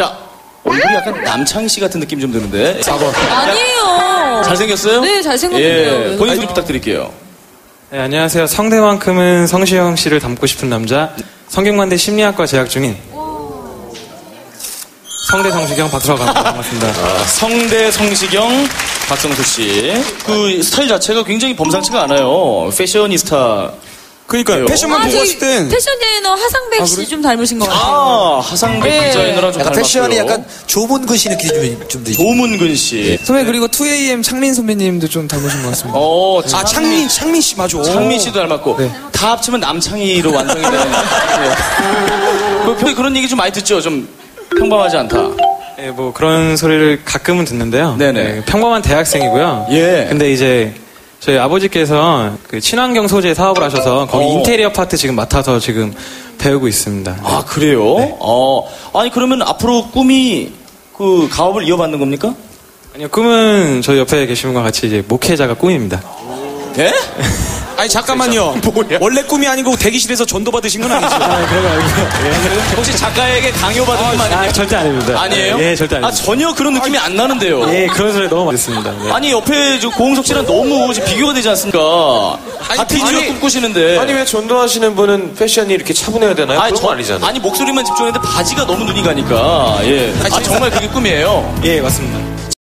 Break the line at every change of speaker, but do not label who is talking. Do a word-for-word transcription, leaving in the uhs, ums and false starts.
자, 얼굴이 약간 남창희 씨 같은 느낌 좀 드는데. 사 번.
아니에요.
잘생겼어요?
네, 잘생겼는데요.
예, 본인 소개 부탁드릴게요.
네, 안녕하세요. 성대만큼은 성시경 씨를 닮고 싶은 남자, 성균관대 심리학과 재학 중인 성대 성시경 박서강. 반갑습니다.
아, 성대 성시경 박성수 씨. 그 스타일 자체가 굉장히 범상치가 않아요. 패셔니스타.
그러니까요. 패션만
아,
보고 봤을 땐
패션 디자이너 하상백
아,
씨
그래?
좀 닮으신 것 같아요.
아, 하상백
네.
디자이너랑 좀
약간
닮았고요.
패션이 약간 조문근 씨 느낌이 좀, 좀 들죠.
조문근 씨.
선배 그리고 투에이엠 창민 선배님도 좀 닮으신 것 같습니다.
어,
아, 창민, 창민 씨 맞아.
창민 씨도 닮았고.
네.
다 합치면 남창희로 완성이 되는. 네. 그, 평- 그런 얘기 좀 많이 듣죠? 좀 평범하지 않다.
네, 뭐 그런 소리를 가끔은 듣는데요.
네네.
네, 평범한 대학생이고요.
예.
근데 이제 저희 아버지께서 그 친환경 소재 사업을 하셔서 거기
어.
인테리어 파트 지금 맡아서 지금 배우고 있습니다. 네.
아, 그래요?
네.
어. 아니, 그러면 앞으로 꿈이 그 가업을 이어받는 겁니까?
아니요, 꿈은 저희 옆에 계신 분과 같이 이제 목회자가 꿈입니다.
예?
아니, 잠깐만요.
뭐야?
원래 꿈이 아니고 대기실에서 전도 받으신 건 아니죠?
아, 그런 거 아니고요.
혹시 작가에게 강요받은 분 아니에요?
아, 절대 아닙니다.
아니에요?
예, 절대
아,
아닙니다.
전혀 그런 느낌이 안 나는데요.
예, 그런 소리 너무 많이 듣습니다. 네.
아니, 옆에 저 고홍석 씨랑 너무 지금 비교가 되지 않습니까? 같은
아니,
직업 꿈꾸시는데.
아니 왜 전도하시는 분은 패션이 이렇게 차분해야 되나요?
아니,
그런
저-
거 아니잖아요.
아니, 목소리만 집중했는데 바지가 너무 눈이 가니까. 예. 아, 정말 그게 꿈이에요.
예, 맞습니다.